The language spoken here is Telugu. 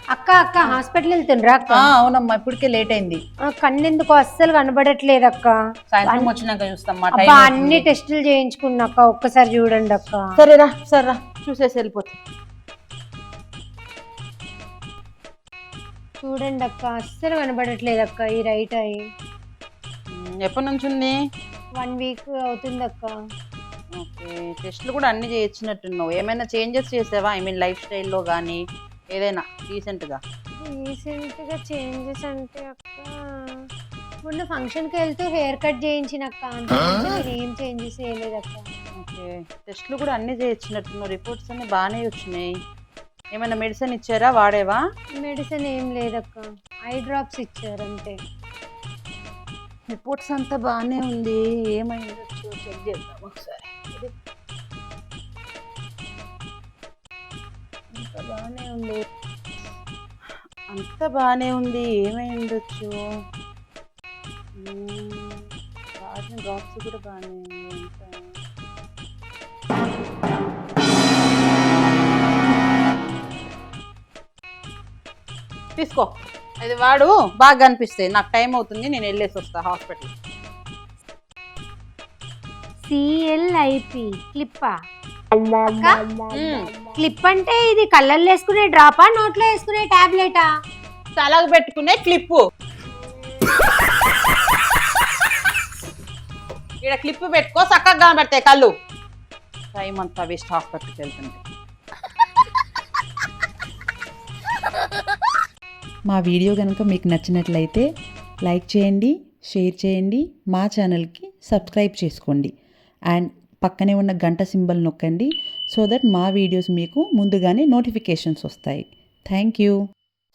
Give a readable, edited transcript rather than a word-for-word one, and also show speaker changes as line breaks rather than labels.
అక్క అక్క హాస్పిటల్ వెళ్తుండ్రా అక్క?
అవునమ్మా, ఇప్పటికే లేట్ అయింది.
కన్నెందుకు అస్సలు కనబడట్లేదు అక్క.
సాయంత్రం వచ్చినాక చూస్తాం.
అన్ని టెస్టులు చేయించుకున్నా అక్క, ఒక్కసారి చూడండి అక్క.
సరేరా సరేరా, చూసేసి వెళ్ళిపోతా.
చూడండి అక్క, అస్సలు కనబడట్లేదు అక్క ఈ రైట్ ఐ.
ఎప్పటి నుంచి ఉంది?
1 వీక్ అవుతుంది అక్క.
ఓకే, టెస్ట్లు కూడా అన్ని చేయించినట్టున్నావు. ఏమైనా చేంజెస్ చేసావా? ఐ మీన్ లైఫ్ స్టైల్లో కానీ ఏదైనా రీసెంట్గా
చేంజెస్ అంటే అక్క, మొన్న ఫంక్షన్కి వెళ్తూ హెయిర్ కట్ చేయించిన అక్క, అంత నేను ఏం చేంజెస్ చేయలేదు అక్క.
ఓకే, టెస్ట్లు కూడా అన్ని చేయించినట్టున్నావు. రిపోర్ట్స్ అన్ని బాగానే వచ్చినాయి. ఏమైనా మెడిసిన్ ఇచ్చారా? వాడేవా?
మెడిసిన్ ఏం లేదక్క, ఐ డ్రాప్స్ ఇచ్చారు అంతే.
రిపోర్ట్స్ అంతా బాగానే ఉంది. ఏమైందో చెక్ చేద్దాం ఒకసారి. అంతా బాగానే ఉంది, అంతా బాగానే ఉంది. ఏమై ఉండొచ్చు? వాడిన డ్రాప్స్ కూడా బాగానే ఉంది. తీసుకో, అది వాడు బాగా కనిపిస్తాయి. నాకు టైం అవుతుంది, నేను వెళ్ళేసి వస్తా హాస్పిటల్.
CLIP క్లిప్పా? క్లిప్ అంటే ఇది కళ్ళల్లో వేసుకునే డ్రాపా, నోట్లో వేసుకునే టాబ్లెటా?
తలకు పెట్టుకునే క్లిప్పు. ఇక్కడ క్లిప్ పెట్టుకో, చక్కగా కనబడతాయి కళ్ళు. టైం అంతా వేస్ట్ హాస్పిటల్కి వెళ్తుంటే.
మా వీడియో కనుక మీకు నచ్చినట్లయితే లైక్ చేయండి, షేర్ చేయండి, మా ఛానల్కి సబ్స్క్రైబ్ చేసుకోండి. అండ్ పక్కనే ఉన్న గంట సింబల్ నొక్కండి, సో దట్ మా వీడియోస్ మీకు ముందుగానే నోటిఫికేషన్స్ వస్తాయి. Thank you.